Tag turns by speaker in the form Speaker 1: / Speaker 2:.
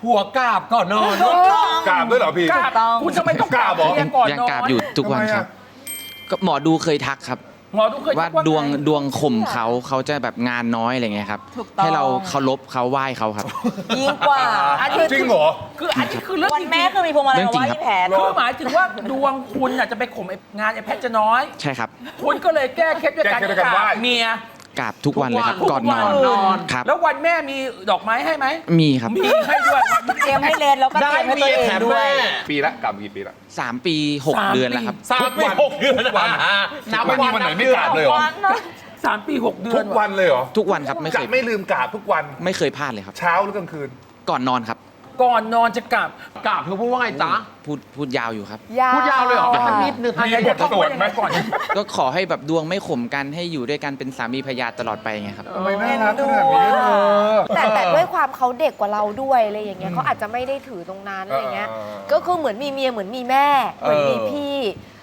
Speaker 1: หัวกราบก่อนนอน
Speaker 2: กราบด้วยเหรอพี่
Speaker 3: กราบคุณจะไม่ต้องกราบ
Speaker 2: กราบเหรอ
Speaker 3: เมียก่อน
Speaker 4: ยัง
Speaker 3: นอน
Speaker 4: กราบอยู่ทุกวันครับ ก็หมอดูเคยทักครับ
Speaker 3: หมอดูเคย
Speaker 4: ว่า
Speaker 3: ทัก
Speaker 4: ดวงข่มเขาจะแบบงานน้อยอะไรเงี้ยครับ
Speaker 5: ถูกต้อง
Speaker 4: ให้เราเคารพเขาไหว้เขาครับ
Speaker 5: ยิ่งกว่า
Speaker 3: อันนี้
Speaker 2: จริงเหรอ
Speaker 3: คืออันนี้คือเรื่อง
Speaker 5: วัน
Speaker 3: จริง
Speaker 5: แม่คือมีพวงมาลัยมาไหว้ที่แผน
Speaker 3: คือหมายถึงว่าดวงคุณน่ะจะไปข่มไอ้งานไอ้แพทย์จะน้อย
Speaker 4: ใช่ครับ
Speaker 3: คุณก็เลยแก้เคล็ดด้วยการ
Speaker 2: แก้เคล็ดด้วยการ
Speaker 3: ก
Speaker 2: ไหว้
Speaker 3: ราบเมีย
Speaker 4: กราบทุกวันเลยครับ
Speaker 3: ทุก
Speaker 4: ก่อนนอน
Speaker 3: นอน
Speaker 4: ครับ
Speaker 3: แล้ววันแม่มีดอกไม้ให้ไหม
Speaker 4: มีครับ
Speaker 3: มีให้ด้วยวันแม่
Speaker 5: เตรียมให้เลนแล้วก็เต
Speaker 1: ได้
Speaker 5: รียมให้
Speaker 1: เมี
Speaker 5: ตัวย เอง
Speaker 1: แถม
Speaker 5: ด้วย
Speaker 1: แม่
Speaker 2: ปีละกราบกี่ปีละ
Speaker 4: 3 ปี 6 เดือนแล้วครับ
Speaker 1: 3 ปี 6 เดือน
Speaker 2: ทุกวัน
Speaker 1: นับ
Speaker 2: ไม่มีวันไหนไม่กราบเลยเหรอ
Speaker 3: 3 ปี 6 เดือน
Speaker 2: ทุกวันเลยเหรอ
Speaker 4: ทุกวันครับไม่เค
Speaker 2: จะ
Speaker 4: ย
Speaker 2: ไม่ลืมกราบทุกวัน
Speaker 4: ไม่เคยพลาดเลยครับ
Speaker 2: เช้าหรือกลางคืน
Speaker 4: ก่อนนอนครับ
Speaker 3: ก่อนนอนจะกราบ
Speaker 1: กราบเธอพูดว่าไงจ๊ะ
Speaker 4: พูดยาวอยู่ครับ
Speaker 1: พูดยาวเลยเหรอสักนิดนึง
Speaker 3: อันนี้จะต้องว่ายังไงก่อน
Speaker 4: ก็ขอให้แบบดวงไม่ข่มกันให้อยู่ด้วยกันเป็นสามีภรรยาตลอดไปไงครับ
Speaker 2: ทำไมน่ารักขนาดนี้เธอ
Speaker 6: แต่ด้วยความเขาเด็กกว่าเราด้วยอะไรอย่างเงี้ยเขาอาจจะไม่ได้ถือตรงนั้นอะไรเงี้ย ก็คือเหมือนมีเมียเหมือนมีแม่เหมือนมีพี่